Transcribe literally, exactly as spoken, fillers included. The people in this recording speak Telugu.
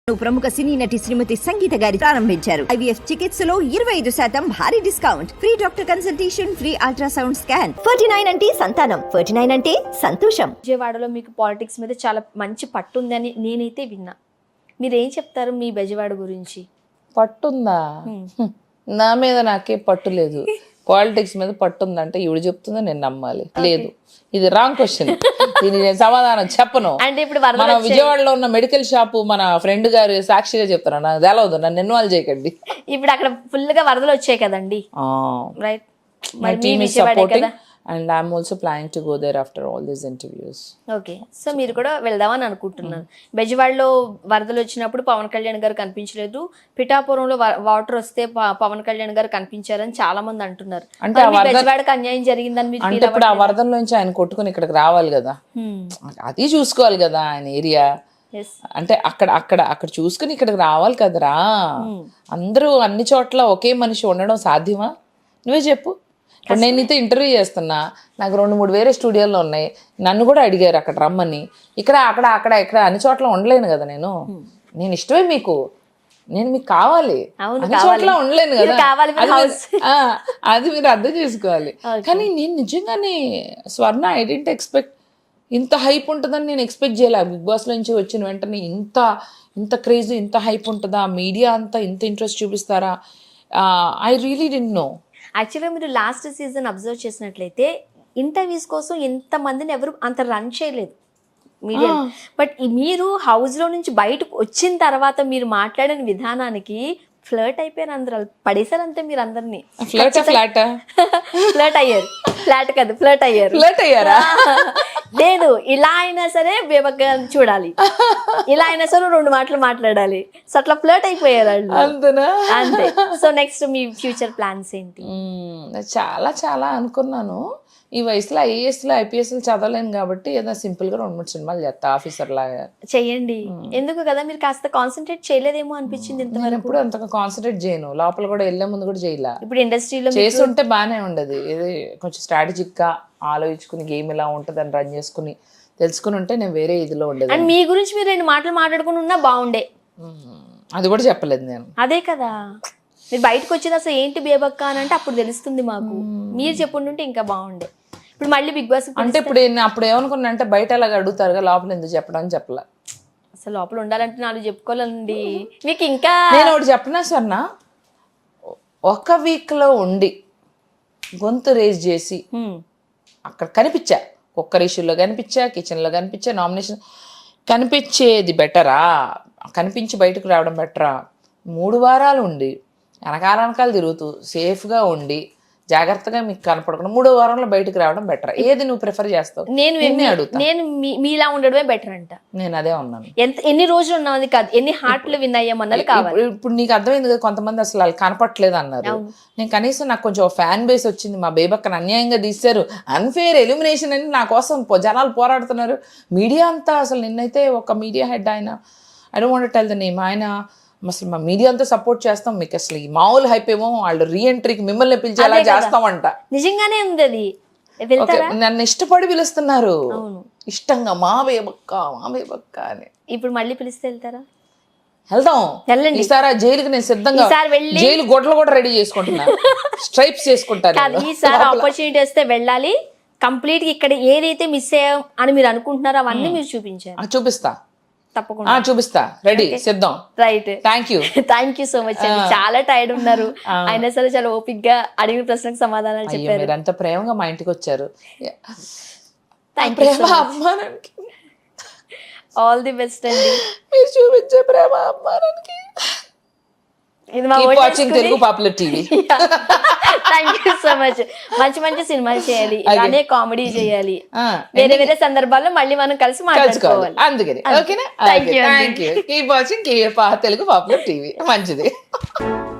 ప్రముఖ సినీ నటి శ్రీమతి సంగీత గారి ప్రారంభించారు. ఐవీఎఫ్ చికిత్సలో ఇరవై ఐదు శాతం భారీ discount, free doctor consultation, free ultrasound scan. Forty nine అంటే సంతానం, ఫార్టీ నైన్ అంటే సంతోషం. విజయవాడలో మీకు పాలిటిక్స్ మీద చాలా మంచి పట్టు ఉందని నేనైతే విన్నా. మీరేం చెప్తారు మీ బెజవాడ గురించి? పట్టుందా? నా మీద నాకే పట్టు లేదు. పాలిటిక్స్ మీద పట్టుందంటే ఇవిడు చెప్తుందో నేను నమ్మాలి. లేదు, ఇది రాంగ్ క్వశ్చన్. దీని నేను సమాధానం చెప్పను. అంటే ఇప్పుడు మన విజయవాడలో ఉన్న మెడికల్ షాపు మన ఫ్రెండ్ గారు సాక్షిగా చెప్తాను, నాకు తెలవదు, నన్ను ఇన్వాల్వ్ చేయకండి. ఇప్పుడు అక్కడ ఫుల్ గా వరదలు వచ్చాయి కదండి, right? My team is supporting and I'm also planning to go there after all these interviews. Okay, so మీరు కూడా వెళ్దామని అనుకుంటున్నాను. బెజవాడలో వరదలు వచ్చినప్పుడు పవన్ కళ్యాణ్ గారు కనిపించలేదు, పిఠాపురంలో వాటర్ వస్తే పవన్ కళ్యాణ్ గారు కనిపించారని చాలా మంది అంటున్నారు. అంటే బెజవాడకి అన్యాయం జరిగిందని మీరు అంటే ఇప్పుడు ఆ వరదల్లోంచి ఆయన కొట్టుకుని ఇక్కడికి రావాలి కదా, అది చూసుకోవాలి కదా ఆయన ఏరియా. అంటే అక్కడ అక్కడ అక్కడ చూసుకుని ఇక్కడికి రావాలి కదరా. అందరూ అన్ని చోట్ల ఒకే మనిషి ఉండడం సాధ్యమా? నువ్వే చెప్పు. ఇప్పుడు నేను నీతో ఇంటర్వ్యూ చేస్తున్నా, నాకు రెండు మూడు వేరే స్టూడియోలో ఉన్నాయి, నన్ను కూడా అడిగారు అక్కడ రమ్మని. ఇక్కడ అక్కడ అక్కడ ఇక్కడ అన్ని చోట్ల ఉండలేను కదా నేను. నేను ఇష్టమే మీకు, నేను మీకు కావాలి, అన్ని చోట్ల ఉండలేను కదా. అది మీరు అర్థం చేసుకోవాలి. కానీ నేను నిజంగానే స్వర్ణ ఐ డెంట్ ఎక్స్పెక్ట్ ఇంత హైప్ ఉంటుందని నేను ఎక్స్పెక్ట్ చేయలే. బిగ్ బాస్ నుంచి వచ్చిన వెంటనే ఇంత ఇంత క్రేజ్, ఇంత హైప్ ఉంటుందా, మీడియా అంతా ఇంత ఇంట్రెస్ట్ చూపిస్తారా, ఐ రియలీ డెంట్ నో. యాక్చువల్గా మీరు లాస్ట్ సీజన్ అబ్జర్వ్ చేసినట్లయితే ఇంటర్వ్యూస్ కోసం ఎంతమందిని ఎవరు అంత రన్ చేయలేదు మీడియా. బట్ మీరు హౌస్లో నుంచి బయటకు వచ్చిన తర్వాత మీరు మాట్లాడిన విధానానికి ఫ్లర్ట్ అయిపోయారు అందరూ, పడేసారు అంతే మీరు అందరినీ. ఫ్లర్ట్ ఫ్లాట్ ఫ్లర్ట్ అయ్యారు, ఫ్లాట్ కాదు ఫ్లర్ట్ అయ్యారు. ఫ్లర్ట్ అయ్యారా? లేదు, ఇలా అయినా సరే బేబక్క చూడాలి, ఇలా అయినా సరే రెండు మాటలు మాట్లాడాలి, సో అట్లా ఫ్లర్ట్ అయిపోయారు వాళ్ళు. అంతేనా? అంతే. సో నెక్స్ట్ మీ ఫ్యూచర్ ప్లాన్స్ ఏంటి? చాలా చాలా అనుకున్నాను. ఈ వయసులో ఐఏఎస్లో ఐపీఎస్లు చదవలేను కాబట్టి ఏదో సింపుల్ గా రెండు మూడు సినిమాలు చేస్తా ఆఫీసర్ లాగా. చెయ్యండి, ఎందుకు కదా మీరు కాస్త కాన్సన్ట్రేట్ చేయలేదేమో అనిపించింది. నేను ఎప్పుడు అంతగా కాన్సన్ట్రేట్ చేయను, లోపల కూడా వెళ్ళే ముందు కూడా చేయలే. ఇప్పుడు ఇండస్ట్రీలో చేస్తుంటే బాగానే ఉండదు, ఇది కొంచెం స్ట్రాటజిక్ గా ఆలోచించుకుని గేమ్ ఇలా ఉంటుంది అని రన్ చేసుకుని తెలుసుకుని ఉంటే నేను వేరే ఇదిలో ఉండేది. అండ్ మీ గురించి మీరు రెండు మాటలు మాట్లాడుకుని ఉన్నా బాగుండే. అది కూడా చెప్పలేదు నేను. అదే కదా, మీరు బయటకు వచ్చేది అసలు ఏంటి బేబక్క అని అంటే అప్పుడు తెలుస్తుంది మాకు. మీరు చెప్పుంటుంటే ఇంకా బాగుండే. ఇప్పుడు మళ్ళీ బిగ్ బాస్ అంటే ఇప్పుడు అప్పుడు ఏమనుకున్నా అంటే బయట అలాగ అడుగుతారుగా, లోపల ఎందుకు చెప్పడం అని చెప్పలే. అసలు లోపల ఉండాలంటే నాలుగు చెప్పుకోవాలండి మీకు. ఇంకా నేను ఒకటి చెప్పినా స్వర్ణ, ఒక వీక్ లో ఉండి గొంతు రేజ్ చేసి అక్కడ కనిపించా, కుక్కర్ ఇష్యూలో కనిపించా, కిచెన్ లో కనిపించా, నామినేషన్ కనిపించేది బెటరా, కనిపించి బయటకు రావడం బెటరా, మూడు వారాలు ఉండి వెనకాల వెనకాల తిరుగుతూ సేఫ్గా ఉండి జాగ్రత్తగా మీకు కనపడకుండా మూడో వారంలో బయటకు రావడం బెటర్? ఏది నువ్వు ప్రిఫర్ చేస్తావు? నేను అడుగుతా. నేను మీలా ఉండడమే బెటర్ అంట. నేను అదే ఉన్నాను. ఎంత ఎన్ని రోజులు ఉన్నది కాదు, ఎన్ని హార్ట్లు విన్ అయ్యామన్నది కావాలి. ఇప్పుడు నీకు అర్థమైంది కదా, కొంతమంది అసలు వాళ్ళు కనపట్లేదు అన్నారు. నేను కనీసం నాకు కొంచెం ఫ్యాన్ బేస్ వచ్చింది, మా బేబక్కను అన్యాయంగా తీశారు, అన్ఫేర్ ఎలిమినేషన్ అని నా కోసం జనాలు పోరాడుతున్నారు. మీడియా అంతా అసలు నిన్నైతే ఒక మీడియా హెడ్ ఆయన, I don't want to tell the name, ఆయన అసలు మా మీడియా అంతా సపోర్ట్ చేస్తాం మీకు, అసలు ఈ మామూలు హైప్ ఏమో వాళ్ళు రీఎంట్రీకి మిమ్మల్ని పిలిచేలా చేస్తామంట. నిజంగానే ఉంది అది. నన్ను ఇష్టపడి పిలుస్తున్నారు, ఇష్టంగా మా బేబక్క మా బేబక్క అని. ఇప్పుడు మళ్ళీ పిలిస్తే వెళ్తారా? వెళ్దాం. ఈసారి జైలుకి నేను సిద్ధంగా, జైలు గొడ్లు కూడా రెడీ చేసుకుంటున్నా, స్ట్రైప్స్ చేసుకుంటాను. ఈసారి ఆపర్చునిటీ వస్తే వెళ్ళాలి కంప్లీట్ గా. ఇక్కడ ఏదైతే మిస్ అయ్యాం అని మీరు అనుకుంటున్నారో అవన్నీ మీరు చూపించారు. చూపిస్తా, తప్పకుండా చూపిస్తా. రెడీ, సిద్ధం. Right, thank you thank you so much అండి. చాలా టైర్డ్ ఉన్నారు, అయినా సరే చాలా ఓపిక్ గా అడిగిన ప్రశ్నకు సమాధానాలు చెప్పారు. మీరు అంత ప్రేమగా మా ఇంటికి వచ్చారు. ప్రేమ అభిమానానికి ఆల్ ది బెస్ట్ అండి. మీరు చూపించే ప్రేమ అభిమానానికి Telugu popular TV. Thank you so much. మంచి మంచి సినిమాలు చేయాలి, అదే కామెడీ చేయాలి, వేరే వేరే సందర్భాల్లో మళ్ళీ మనం కలిసి మాట్లాడుకోవాలి. అందుకని ఓకేనా? Thank you. Keep watching Telugu popular TV. మంచిది.